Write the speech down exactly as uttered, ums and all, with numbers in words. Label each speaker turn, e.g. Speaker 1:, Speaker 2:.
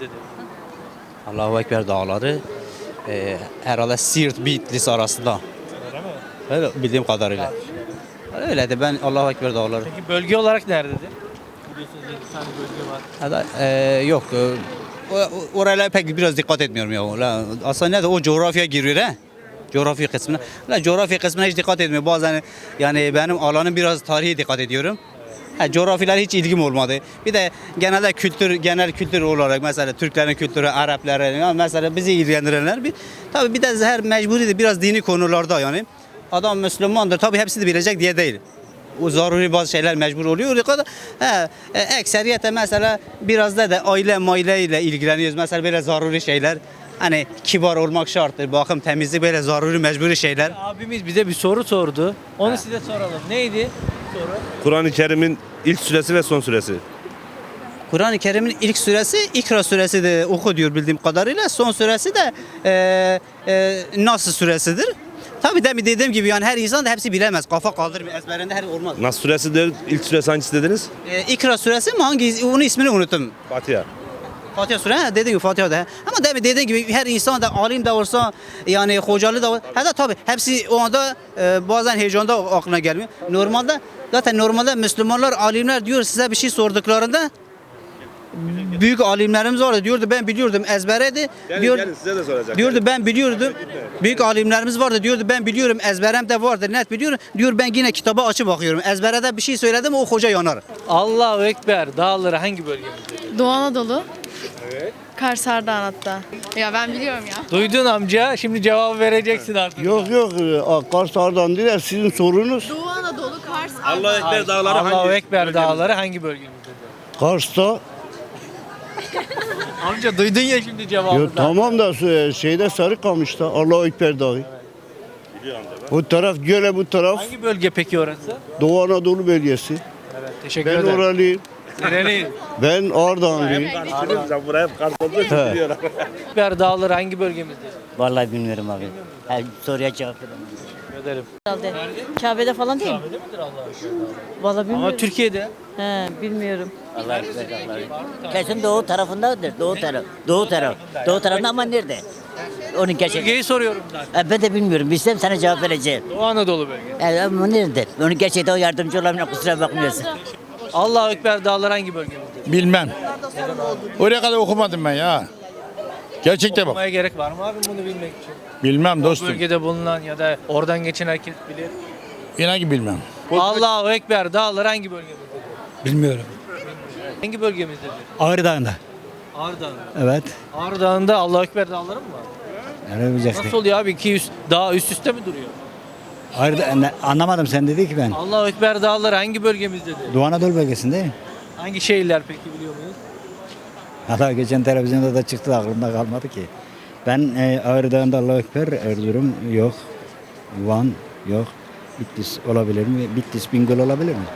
Speaker 1: bölgemizdedir?
Speaker 2: Allahu Ekber dağları e, herhalde Siirt Bitlis arasında.
Speaker 1: Öyle mi?
Speaker 2: Öyle bildiğim kadarıyla. Öyle de ben Allahu Ekber dağları.
Speaker 1: Peki bölge olarak nerededir? Biliyorsunuz yedi tane bölge var.
Speaker 2: Ya da, e, yok. E, o- oraya pek biraz dikkat etmiyorum ya. La, aslında ne de o coğrafya giriyor he. Coğrafya kısmına. La, coğrafya kısmına hiç dikkat etmiyorum. Bazen yani benim alanım biraz tarihi dikkat ediyorum. Ha, coğrafyalar hiç ilgim olmadı. Bir de genelde kültür, genel kültür olarak mesela Türklerin kültürü, Arapların, ya mesela bizi ilgilendirenler bir tabii bir de her mecburi biraz dini konularda yani. Adam Müslümandır tabii hepsini bilecek diye değil. O zaruri bazı şeyler mecbur oluyor. O kadar he, e, ekseriyete mesela biraz da da aile maile ile ilgileniyoruz. Mesela böyle zaruri şeyler. Hani kibar olmak şarttır. Bakım temizlik böyle zaruri mecburi şeyler.
Speaker 1: Abimiz bize bir soru sordu. Onu size soralım. Neydi soru?
Speaker 3: Kur'an-ı Kerim'in ilk suresi ve son suresi.
Speaker 2: Kur'an-ı Kerim'in ilk suresi İkra suresi de oku diyor bildiğim kadarıyla. Son suresi de e, e, Nas suresidir. Tabii de dediğim gibi yani her insan da hepsi bilemez. Kafa kaldırır ezberinde her olmaz.
Speaker 3: Nas suresi de ilk suresi hangisi dediniz?
Speaker 2: E, İkra suresi mi hangi? Onun ismini unuttum.
Speaker 3: Fatiha.
Speaker 2: Fatiha suresi dediğim gibi Fatiha da. Ama demin dediğim gibi her insan da alim de olsa yani hocalı da olsa. Hatta tabii hepsi o anda e, bazen heyecanda aklına gelmiyor. Normalde zaten normalde Müslümanlar alimler diyor size bir şey sorduklarında büyük alimlerimiz vardı diyordu ben biliyordum ezbereydi. Diyor,
Speaker 3: size de soracak.
Speaker 2: diyordu ben biliyordum. Büyük alimlerimiz vardı diyordu ben biliyorum ezberem de vardır net biliyorum. Diyor ben yine kitaba açıp bakıyorum. Ezberede bir şey söyledim o hoca yanar.
Speaker 1: Allahu Ekber dağları hangi bölgemizdedir?
Speaker 4: Doğu Anadolu. Evet. Kars Ardahan hatta. Ya ben biliyorum ya.
Speaker 1: Duydun amca. Şimdi cevabı vereceksin artık.
Speaker 5: Yok yok e, Kars Ardahan değil sizin sorunuz.
Speaker 4: Doğu Anadolu, Kars
Speaker 3: Allah Ekber dağları
Speaker 1: Allahu
Speaker 3: hangi?
Speaker 1: Ekber dağları hangi bölgemizdedir?
Speaker 5: Kars'ta
Speaker 1: Amca duydun ya şimdi cevabı.
Speaker 5: ya,
Speaker 1: da.
Speaker 5: tamam da e, şeyde Sarıkamış'ta Allahu Ekber Dağı. Bu taraf göle bu taraf
Speaker 1: Hangi bölge peki orası?
Speaker 5: Doğu Anadolu bölgesi.
Speaker 1: Evet, teşekkür
Speaker 5: Ben
Speaker 1: ederim.
Speaker 5: oralıyım.
Speaker 1: Nereli?
Speaker 5: Ben Ardahanlıyım.
Speaker 3: Sen buraya Kars olduğu için
Speaker 5: He.
Speaker 3: biliyorlar.
Speaker 1: Ekber dağları hangi bölgemizdedir?
Speaker 6: Vallahi bilmiyorum abi. Her soruya cevap veremem.
Speaker 1: Teşekkür ederim.
Speaker 7: Herhalde. Kabe'de falan değil mi?
Speaker 1: Kabe'de midir Allahu Ekber dağları?
Speaker 7: Vallahi bilmiyorum.
Speaker 1: Ama Türkiye'de.
Speaker 7: He, bilmiyorum.
Speaker 6: Allah ekber Allah'ı. Kesin doğu tarafındadır. Doğu taraf. Doğu taraf. Doğu tarafında ama nerede? Onun gerçek.
Speaker 1: Bölgeyi soruyorum zaten.
Speaker 6: E, Ben de bilmiyorum. Bilsem sana cevap vereceğim.
Speaker 1: Doğu Anadolu bölgesi.
Speaker 6: E, ama nerede? Onun gerçekten o yardımcı olamıyor. Kusura bakmıyorsun.
Speaker 1: Allahu Ekber dağları hangi bölgemizdedir?
Speaker 8: Bilmem. Oraya kadar okumadım ben ya. Gerçekte bak.
Speaker 1: Okumaya gerek var mı abi bunu bilmek için?
Speaker 8: Bilmem
Speaker 1: O
Speaker 8: dostum.
Speaker 1: bölgede bulunan ya da oradan geçen herkes bilir.
Speaker 8: İnan ki bilmem.
Speaker 1: Allahu Ekber dağları hangi bölgemizdedir?
Speaker 9: Bilmiyorum.
Speaker 1: Hangi bölgemizdedir?
Speaker 9: Ağrı Dağı'nda.
Speaker 1: Ağrı Dağı.
Speaker 9: Evet.
Speaker 1: Ağrı Dağı'nda Allahu Ekber dağları mı var?
Speaker 9: Yani bileceksin.
Speaker 1: Nasıl oluyor abi? iki üst, dağ üst üste mi duruyor?
Speaker 9: Ağrı Dağı- ne- anlamadım sen dedi ki ben.
Speaker 1: Allahu Ekber dağları hangi bölgemizdedir?
Speaker 9: Doğu Anadolu bölgesinde.
Speaker 1: Hangi şehirler peki biliyor muyuz?
Speaker 9: Hatta geçen televizyonda da çıktı aklımda kalmadı ki. Ben e, Ağrı Dağı'nda Allahu Ekber, Erzurum yok. Van yok. Bitlis olabilir mi? Bitlis Bingöl olabilir mi?